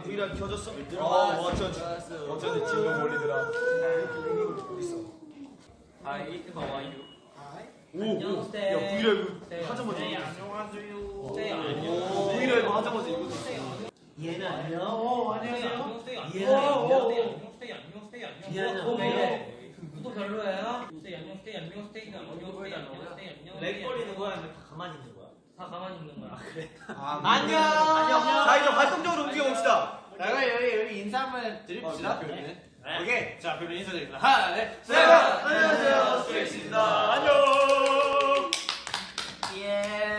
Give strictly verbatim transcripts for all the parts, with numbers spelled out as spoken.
브이라이브 켜졌어? 어, 어쩐지 어쩐지 진동 몰리더라. 하이, 하와이유. 오, 야 브이라이브 하자마자 네, 안녕하세요. 네, 오, 안녕. 브이라이브 하자마자 이거 얘는 안녕. 어, 안녕하세요. 안녕, 스테이 안녕. 얘는 안녕. 안녕, 스테이 안녕, 스테이 안녕. 얘는 어, 안녕. 네. 구도 별로예요? 스테이 안녕, 스테이 안녕, 스테이가 안녕, 스테이 안녕, 스테이 안녕. 렉 걸리는 거야 아니면 다 가만히 있는 거야? 다 가만히 있는 거야. 그래? 안녕. 자 이제 활동적으로 움직여 봅시다. 자, 여기 여기 인사 한번 드립시다. 그래. 네. 오케이. 자, 별로 인사드립니다. 하나, 네. 네, 안녕하세요, 스트레이키즈입니다. 안녕. 예.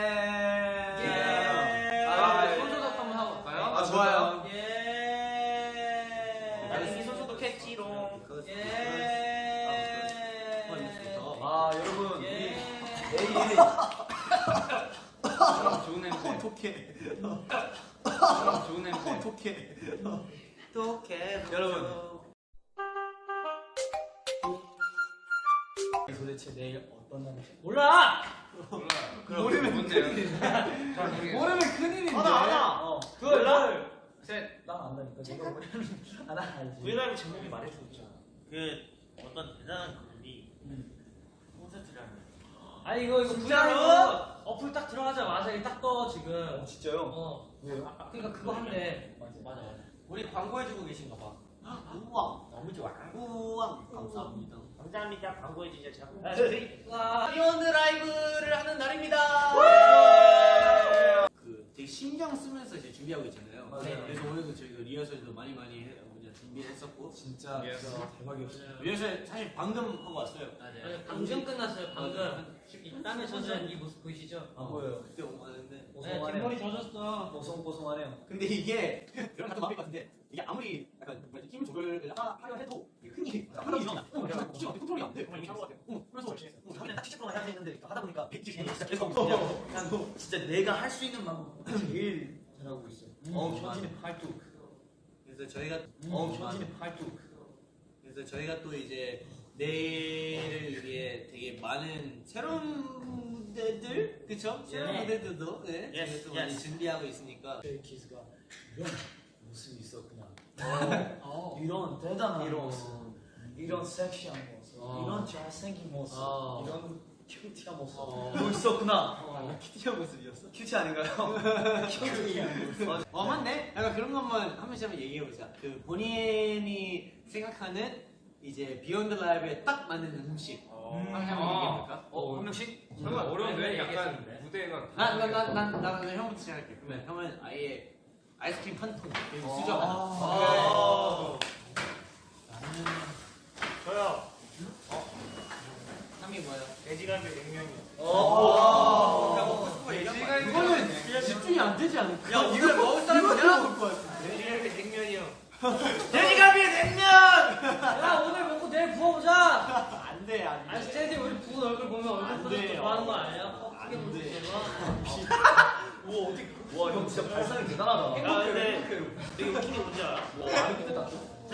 예. 아, 손소독 한번 하고 갈까요? 아, 좋아요. 예. 나는 이미 소소독했지롱. 예. 아 여러분 예. 내일 좋은 냄새. 톡해. 좋은 냄새. 톡해. 독해. 여러분. 도대체 내일 어떤 날이지? 몰라. 모르면 뭔데요? 모르면 큰일인데. 하나 하나. 어. 둘, 둘. 셋. 난 안다니까. 네가 모르면 하나 알지. 브이라이브 제목이 말해주고 있잖아. 그 어떤 대단한 그룹이 콘서트를 하는. 아니 이거 이거 진짜로? 브이라이브 어플 딱 들어가자마자 이게 딱 떠 지금. 어, 진짜요? 어. 왜요? 아, 그러니까 그거 한대. 맞아. 맞아 맞아. 우리 광고해주고 계신가 봐. 우와 너무 좋아. 우와 감사합니다. 감사합니다. 광고해주셔서. 와. 비욘드 라이브를 하는 날입니다. 그 되게 신경 쓰면서 이제 준비하고 있잖아요. 맞아요. 그래서 오늘도 저희가 리허설도 많이 많이 해, 이제 준비했었고. 진짜 진짜 대박이었어요. 리허설 사실 방금 하고 왔어요. 맞아요. 방금 끝났어요. 방금. 이 땀에 젖은 이 모습 보이시죠? 안 보여요. 그때 오고 왔는데. 네, 뒷머리 젖었어. 보송보송하네요. 근데 이게 여러분 같은 마음일 것 같은데 이게 아무리 약간 뭐지 힘 조절을 하- 하려 해도 이게 흔히 흔히 일어나. 어, 약간 혹시 어떻게 컨트롤이 안 돼? 정말 이렇게 한것 같아요. 어, 그래서 어, 다음에 딱 칠십 분만 해야 되는데 하다 보니까 백지 진짜 계속 그냥 그냥 진짜 내가 할 수 있는 방법 제일 잘하고 있어. 어 음, 현진의 팔뚝. 그래서 저희가 어 현진의 팔뚝. 그래서 저희가 또 이제 내일을 위해 되게 많은 새로운 무대들 그쵸? 새로운 네. 무대들도 네, Yes, 저희가 또 많이 yes. 준비하고 있으니까 스트레이키즈가 이런 모습이 있었구나. 어. 이런 대단한 이런 모습, 이런 섹시한 모습, 어. 이런 잘생긴 모습, 어. 이런 큐티한 모습 어. 뭐 있었구나. 어. 큐티한 모습이었어? 큐티 아닌가요? 큐티한 모습. 어 맞네? 약간 그런 것만 한 번씩 한번 얘기해보자. 그 본인이 생각하는 이제 비욘드 라이브에 딱 맞는 음식 한번 얘기해볼까? 어, 한 명씩? 설마 어려운데? 약간 무대가 난난난난 형부터 시작할게. 그러면 형은 아예 아이스크림 한 통, 그리고 수저 하나. 아. 저요. 삼이 뭐예요? 돼지갈비 냉면이요. 이거는 집중이 안 되지 않을까? 야, 이걸 먹을 사람이 내가 먹을 것 같은데. 돼지갈비 냉면이요. 돼지갈비 냉면. 야 오늘 먹고 내일 부어보자. 안 돼, 안 아니 돼. 스테디 우리 부은 얼굴 보면 안 얼굴 돼요. 표정 좋아하는 거 아니에요? 크게 안 보지 돼. 와 어떻게? 와형 진짜 발상이 대단하다. 야, 근데 되게 웃긴 게 뭔지 알아? 와 아니 근데 나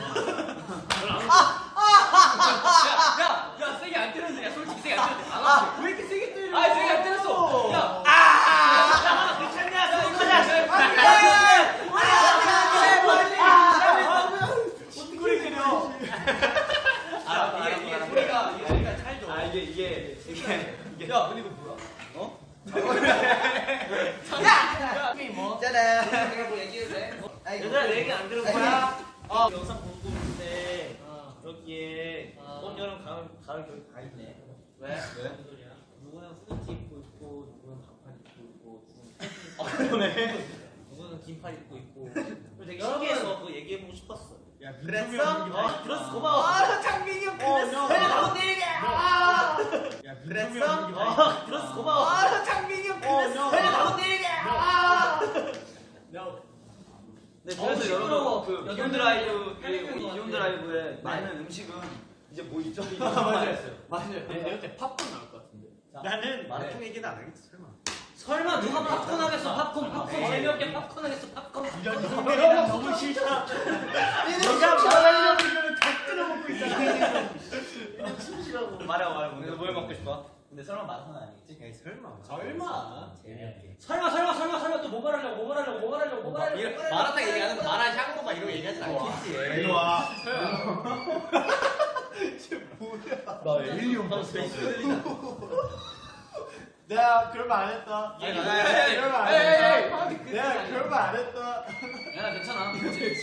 야, 야 세게 안 때렸는데, 야 솔직히 세게 안 때렸는데. 안 왔어. 왜 이렇게 세게 때려? 아 세게 안 때렸어. 야, 아! 괜찮냐? 소리 때려. 아, 이게 이게 소리가 이게 소리가 찰져. 아 이게 이게 이게 이게. 야 근데 이거 뭐야? 어? 게임 뭐? 내가 뭐 얘기해도 돼? 얘들아 내 얘기 안 들은 거야? 어. 영상 보고 있는데 여기에 어. 봄, 여름, 가을, 가을, 겨울 다 있네. 왜? 왜? 무슨 소리야? 누구는 후드티 입고 있고 누구는 반팔 입고 있고 누구는 아 그러네. 누구는 긴팔 입고 있고. 그래서 되게 신기해서 그거 얘기해보고 싶었어. 야 그랬어? 어, 들었어 고마워. 아 장민이 형 그랬어. 그랬어. 나온 일이야. 아! 야 그랬어? 어, 들었어 고마워. 아 장민이 형 그랬어. 나온 일이야. 아! 네, 어우, 그래서 시끄러워. 여러분 그 여덟 비욘드 명, 라이브 팔 명인 것 비욘드 같아. 라이브에 많은 음식은 이제 뭐 있죠? 맞아요. 맞아요. 내가 그때 팝콘 나올 것 같은데. 나는 마라톤 얘기는 안 하겠어 설마. 설마 누가 팝콘 하겠어? 팝콘, 팝콘 재미없게 팝콘 하겠어? 팝콘. 이런 너무 싫다. 내가 말하려고 이러면 다 끊어먹고 있잖아. 숨쉬라고. 말해 말해. 오늘 뭘 먹고 싶어? 근데 설마 마라톤 아니겠지? 설마. 설마. 재미없게. 설마 설마 설마 설마 또 뭐 말하려고 뭐 말하려고 뭐 말하려고 뭐 마라탕 얘기하는 거 마라 향고 막 이런 거 얘기하진 않겠지. 일로 와. 나 에일리언 봤어. 내가 그런 말 안 했다. 아니, 내가 아니, 아니, 그런 말 안 아니, 아니, 했다. 아니, 아니, 내가 그런 말 안 했다. 야 괜찮아.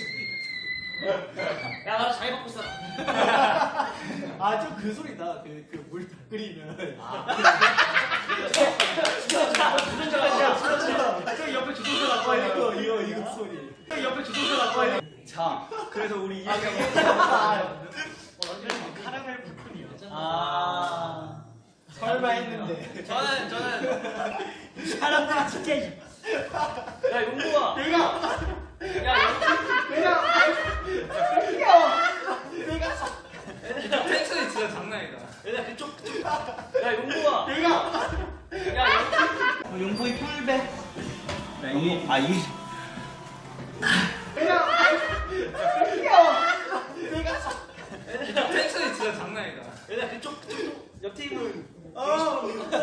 야, 나 자기 먹고 있어. 아, 좀 그 소리다. 그 그 물 다 끓이면. 저 옆에 주소서 나고 아, 이거 이거 이거 소리. 저 옆에 주소서 나고 자, 그래서 우리 이해가 카라멜 푸푼이요. 아, 설마 했는데. 저는 저는 사람들아 진짜. 야 용구야. 내가 야 내가 텐션이 진짜 장난이다. 얘들아 그쪽 그쪽. 야 용구야. 내가 야 용구. 용포이 풀배. 이 아, 이 내가 텐션이 진짜 장난이다. 얘들아 그쪽 그쪽 옆 테이블. 어.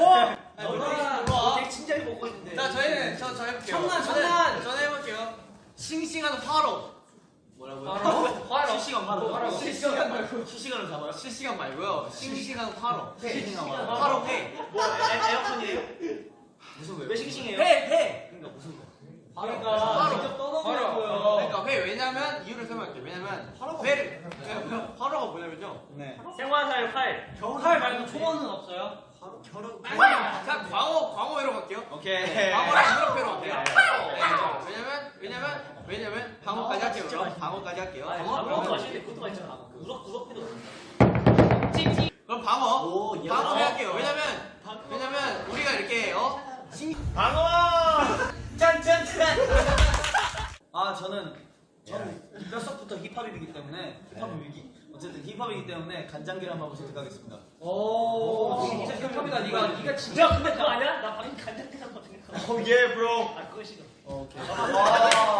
너 되게 진지하게 먹고 있는데. 자 저희는 저 저 해볼게요. 청란, 저는- 청란. 저는 해볼게요. 싱싱한 화로. 뭐라고요? 화로? 실시간 화로. 화로. 실시간 말고 실시간으로 잡아요. 실시간 말고요. 싱싱한 화로. 싱싱한 화로. 화로 회. 뭐 에- 에어컨이에요? 무슨 왜? 왜 싱싱해요? 회 회. 그러니까 무슨 거? 그러니까 화로. 직접 떠먹으려고요. 그러니까 회 왜냐면 이유를 설명할게요. 왜냐면 회를 화로가 뭐냐면요. 네. 생화살 활. 활 말고 초원은 없어요? 결혼. 자 광어 광어 회로 갈게요. 오케이. 광어랑 유럽 회로 갈게요. 네. 왜냐면 왜냐면 왜냐면 광어까지 할게요. 그럼 광어까지 할게요. 방어도 맛있는데 그것도 맛있잖아. 우럭 우럭회도. 그럼 방어. 오, 예. 방어 할게요. 왜냐면 왜냐면 우리가 이렇게 어 방어. 짠짠짠. 아, 저는 저는 뼛속부터 힙합이기 때문에 힙합 위기. 어쨌든 힙합이기 때문에 간장계란밥을 선택하겠습니다. 오. 진짜 힙합이다. 네가 네가 진짜 근데 그거 아니야? 나 방금 간장게장 같은 거. 오, 예, 브로. 아 그거 싫어. 오케이. 와.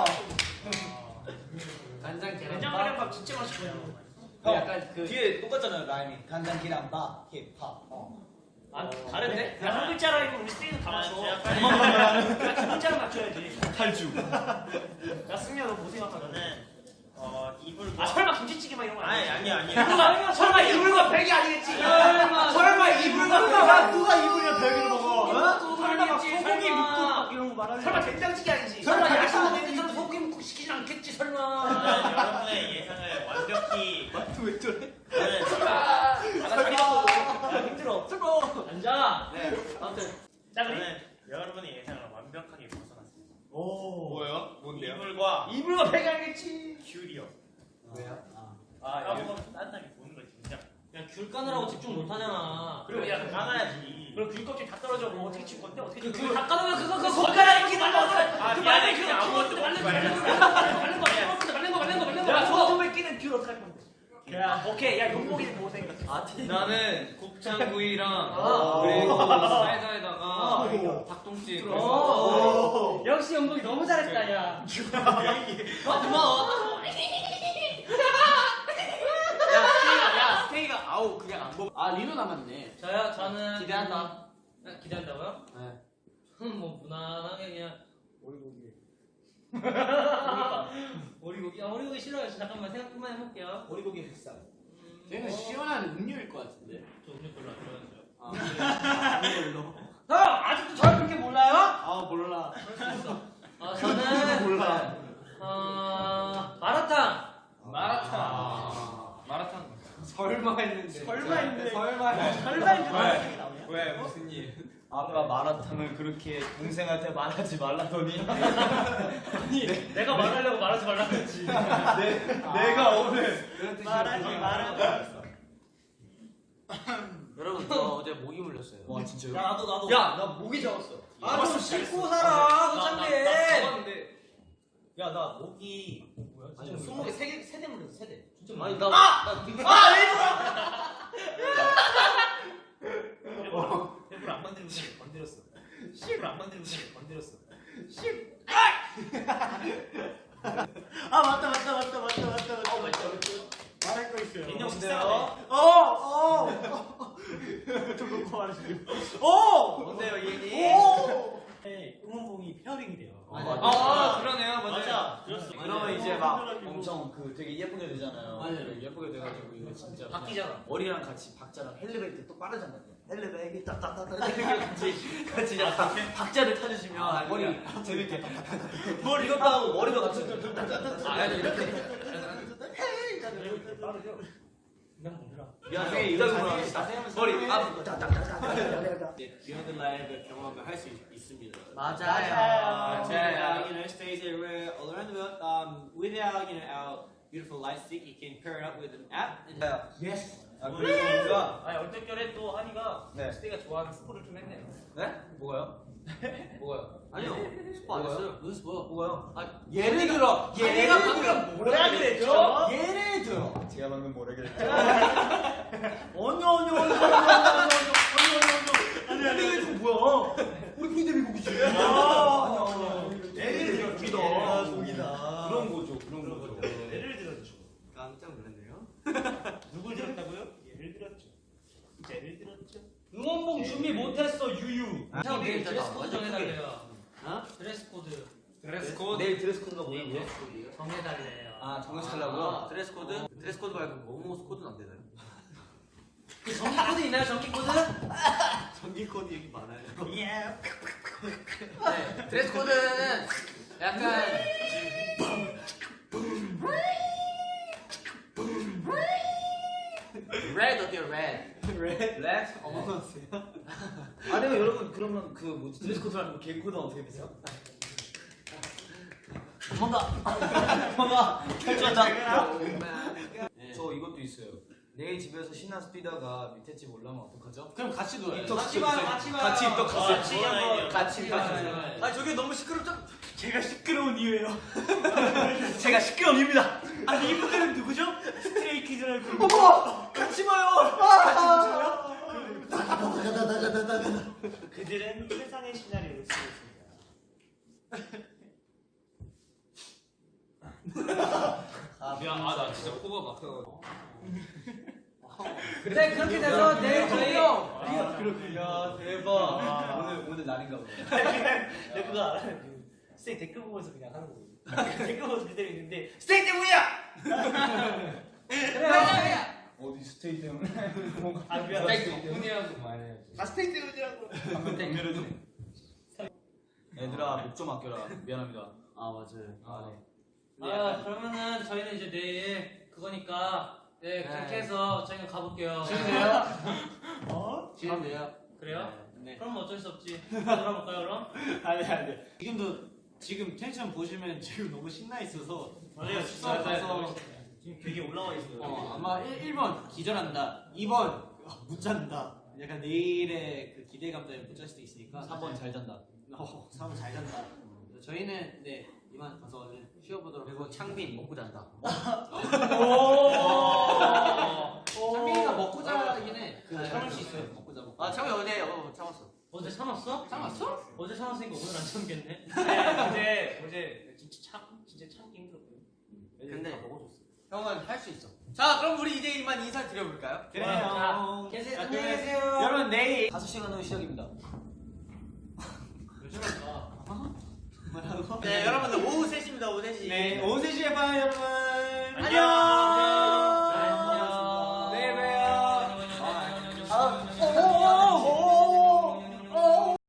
간장 계란. 간장게장밥 진짜 맛있어요. 형, 약간 그 뒤에 똑같잖아요, 라임이. 간장계란밥, 힙합. 어. 아 다른데? 야, 한 글자라 이거 우리 스테이는 다 맞춰. 야, 두 글자를 맞춰야지. 탈주. 야 승미야 너 뭐 생각하는데? 어 이불과. 아 설마 김치찌개 막 이런 거 아니, 아니야? 아니, 아니. 설마 설마 이불과 벽이 아니겠지? 설마 설마 이불과 누가 누가 이불이랑 벽을 먹어? 어? 설마 막 소고기 소고기 묵국 묵국 막 이런 거 말하는 설마 된장찌개 아니지? 설마 설마 야식 야식 먹는 소고기 묵국 시키진 않겠지 설마? 여러분의 예상을 완벽히 왜 저래? 아, 야 힘들어. 뜨거. 앉아. 네. 아무튼 자 그래. 저는 여러분의 예상을 완벽하게 벗어났습니다. 오. 뭐예요? 뭔데요? 이불과 이불과 벽이 아니겠지? 귤이요. 왜요? 아, 여러분 따뜻하게 보는 거 진짜. 야 귤 까느라고 집중 못 하잖아. 그리고 야, 까놔야지. 그럼 귤 껍질 다 떨어져. 뭐 어떻게 칠 건데? 어떻게 칠 그 건데? 귤 다 까놓으면 그거 그거 손가락 이렇게 말라서. 아, 미안해. 그냥 아무것도 말린 거 먹지 말린 거 말린 거 말린 거 말린 거 말린 거 말린 거. 야 손톱에 끼는 귤 어떡할 건데? 야 오케이 야 용복이는 뭐 생각해? 아, 나는 곱창구이랑 아. 그리고 아. 사이다에다가 오. 닭똥집. 오. 역시 용복이 너무 잘했다 야. 아 고마워. 야 스테이가 야 스테이가 아우 그냥 안 먹어. 아 리노 남았네. 저요 저는 기대한다. 음, 기대한다고요? 네. 저는 뭐 무난하게 그냥 오리고기. 오리고기. 오리고기. 아 오리고기 싫어요. 잠깐만 생각 좀만 해볼게요. 오리고기 비싸. 쟤는 시원한 음료일 것 같은데. 저 음료 별로 안 좋아해요. 아 음료로. 형 아직도 저를 그렇게 몰라요? 아, 몰라. 아 저는 몰라. 어 마라탕. 마라탕. 아. 마라탕. 설마 했는데. 설마 했는데. 설마 했는데. 설마 했는데 마라탕이 나오냐? 왜 무슨 일? 아까 마라탕을 그렇게 동생한테 말하지 말라더니 아니 내가 말하려고 말하지 말라 그랬지. 내, 내가 오늘 말하지 말아. 여러분 저 어제 모기 물렸어요. 와, 진짜요? 야 나도 나도. 야, 나 목이 잡았어. 아 좀 씻고 살아. 어차피. 잡았는데 야, 나 목이 뭐야? 아니 스무 개 세개 세대 물렸어 세대. 진짜 아니 나 나 나 일부러 안 건드리고 그냥 건드렸어. 일부러 안 건드리고 그냥 건드렸어. 아, 맞다, 맞다, 맞다, 맞다, 맞다, 맞다. 어, 맞다, 맞다. 말할 거 있어요. 인형 뭔데요? 식사네. 어, 어. 좀 놓고 말하시죠. 어! 뭔데요 이 얘기? 오! 네, 응원봉이 앨범이 페어링이 돼요. 아 그러네요 맞아요. 맞아. 들었어. 그러면 이제 막 엄청 그 되게 예쁘게 되잖아요. 맞아요. 예쁘게 돼가지고 이거 진짜 바뀌잖아. 머리랑 같이 박자랑 헬리베이트 또 빠르잖아요. 헬리베이트 딱딱딱 이렇게 같이 같이 약간 박자를 타주시면 아, 머리 재밌게 머리 이것도 하고 머리도 같이 아 이렇게 그냥 뭐더라. 미안해 이러고 머리 앞 비욘드 라이브 경험을 할 수 있습니다. 맞아요. Yeah, you know, stays everywhere all around the world. Um, without you know our beautiful light stick, you can pair it up with an app. And 예스. 아 그리고 우리가 아니 얼떨결에 또 한이가 네. 스테이가 좋아하는 스포를 좀 했네요. 네 뭐가요? 뭐가요? 아니요, 스포 안 했어요. 무슨 스포? 뭐가요? 아, 예를 들어 얘가 방금 뭐라 그랬죠? 예를 들어 제가 방금 뭐라 그랬죠? 아니요 아니요 아니요 아니요 아니요 아니요 아니요 뭐야? 우리 피디미국이지. 아니요 아니요. 예를 들어 독이다 독이다 그런 거죠 그런 거죠. 예를 들었죠. 깜짝 놀랐네요. 누굴 들었다고요? 예를 들었죠. 예를 들었죠. 응원봉 준비 못했어 유유. 형, 내일 드레스 코드 완전 정해달래요. 어? 드레스 코드 드레스 코드. 내일 드레스 코드가 뭐예요? 정해달래요. 아 정해주려고요? 아, 드레스 코드? 드레스 코드 말고 모모스 코드는 안 되나요? 그 전기 코드 있나요 전기 코드? 전기 코드 얘기 많아요. 예. 네, 드레스 코드는 약간 red 어때요? red. 렛? 렛? 어머나세요? 아니면 여러분 그러면 그 뭐지 드레스 코드라는 거 개인 코드 어떻게 되세요? 도망가! 도망가! 결정다! 네. 저 이것도 있어요. 내일 집에서 신나서 뛰다가 밑에 집 올라오면 어떡하죠? 그럼 같이 놀아요. 입덕 같이 봐요, 같이 봐요. 같이 입덕 갔어요. 같이 한번 같이 봐요. 가요. 아 저게 너무 시끄럽죠? 제가 시끄러운 이유예요. 제가 시끄러운 이유입니다. 아니 이분들은 누구죠? 스트레이 키즈라는 그룹. 어머! 같이 봐요! 그들은 세상의 시나리오를 쓰고 있습니다. 미안 아나 진짜 코가 막혀가지고. 네 그렇게 돼서 내일 저희 아, 그렇군요. 대박. 오늘 오늘 날인가 보네. 내가 스테이 댓글 보면서 그냥 하는 거예요. 댓글 보면서 그대로 있는데 스테이 때문이야! 그래. 어디 스테이 때문에? 뭔가 아 미안. 덕분이라고 말해야지. 아 스테이 때문이라고. 얘들아 목 좀 아껴라. 미안합니다. 아 맞아요. 아 네. 아 그러면은 저희는 이제 내일 그거니까 네 그렇게 네. 해서 저희는 가볼게요. 어? 지금 돼요? 그래요? 네. 그럼 어쩔 수 없지. 돌아볼까요 그럼? 안돼 안돼. 지금도 지금 텐션 보시면 지금 너무 신나 있어서 맞아요. 수업 가서 지금 되게 올라와 있어요. 어, 아마 일 번 기절한다. 이 번 못 잔다. 약간 내일의 그 기대감 때문에 못 잘 수도 있으니까. 삼 번 잘 잔다. 어, 삼 번 잘 잔다. 저희는 네 이만 가서 쉬어보도록. 그리고 창빈 먹고 잔다. 창빈이가 먹고 자긴 해. 그 참을 수 있어요. 먹고 자. 먹고. 아 창빈 어제 어 참았어. 어제 참았어? 참았어? 어제 참았으니까 오늘 안 참겠네. 네, 어제 어제 진짜 참 진짜 참기 힘들었고요. 근데 다 먹어줬어. 형은 할 수 있어. 자 그럼 우리 이제 이만 인사 드려볼까요? 자, 계세요. 안녕히 계세요. 여러분 내일 다섯 시간 후 시작입니다. 네 여러분들 오후 세 시입니다. 오후 세 시. 네 오후 세 시에 봐요 여러분. 안녕.